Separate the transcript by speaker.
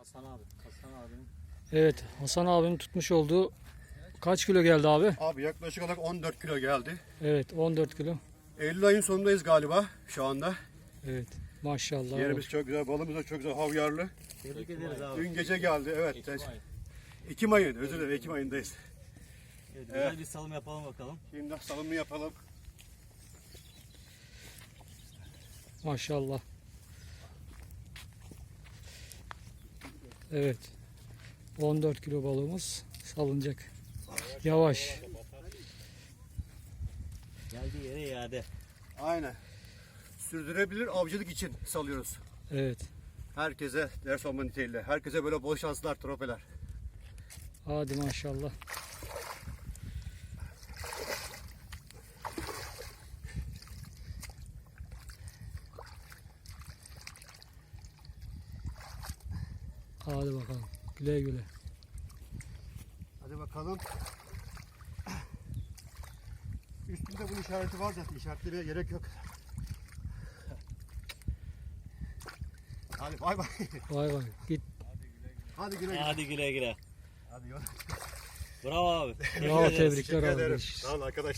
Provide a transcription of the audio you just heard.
Speaker 1: Hasan abi. Hasan abinin.
Speaker 2: Evet, Hasan abinin tutmuş olduğu kaç kilo geldi abi?
Speaker 3: Abi yaklaşık olarak 14 kilo geldi.
Speaker 2: Evet, 14 kilo.
Speaker 3: Eylül ayın sonundayız galiba şu anda.
Speaker 2: Evet, maşallah.
Speaker 3: Yerimiz çok güzel, balımız da çok güzel, havyarlı.
Speaker 1: Tebrik ederiz abi.
Speaker 3: Dün gece geldi, evet.
Speaker 1: Ekim ayı.
Speaker 3: Ekim ayı, özür dilerim, Ekim ayındayız.
Speaker 1: Evet, güzel bir salım yapalım bakalım.
Speaker 3: Şimdi salımı yapalım.
Speaker 2: Maşallah. Evet. 14 kilo balığımız salınacak. Yavaş.
Speaker 1: Geldiği yere iade.
Speaker 3: Aynen. Sürdürebilir avcılık için salıyoruz.
Speaker 2: Evet.
Speaker 3: Herkese ders olma niteliğiyle. Herkese böyle bol şanslar, trofeler.
Speaker 2: Hadi maşallah. Hadi bakalım. Güle güle.
Speaker 3: Hadi bakalım. Üstünde bunun işareti var zaten. İşaretlemeye gerek yok. Hadi bay bay.
Speaker 2: Vay vay. Git.
Speaker 3: Hadi güle güle.
Speaker 1: Hadi güle güle.
Speaker 3: Hadi yol.
Speaker 1: Bravo abi.
Speaker 2: Bravo,
Speaker 1: ederiz.
Speaker 2: tebrikler
Speaker 3: Teşekkür
Speaker 2: abi.
Speaker 3: ederim. Sağ olun arkadaşlar.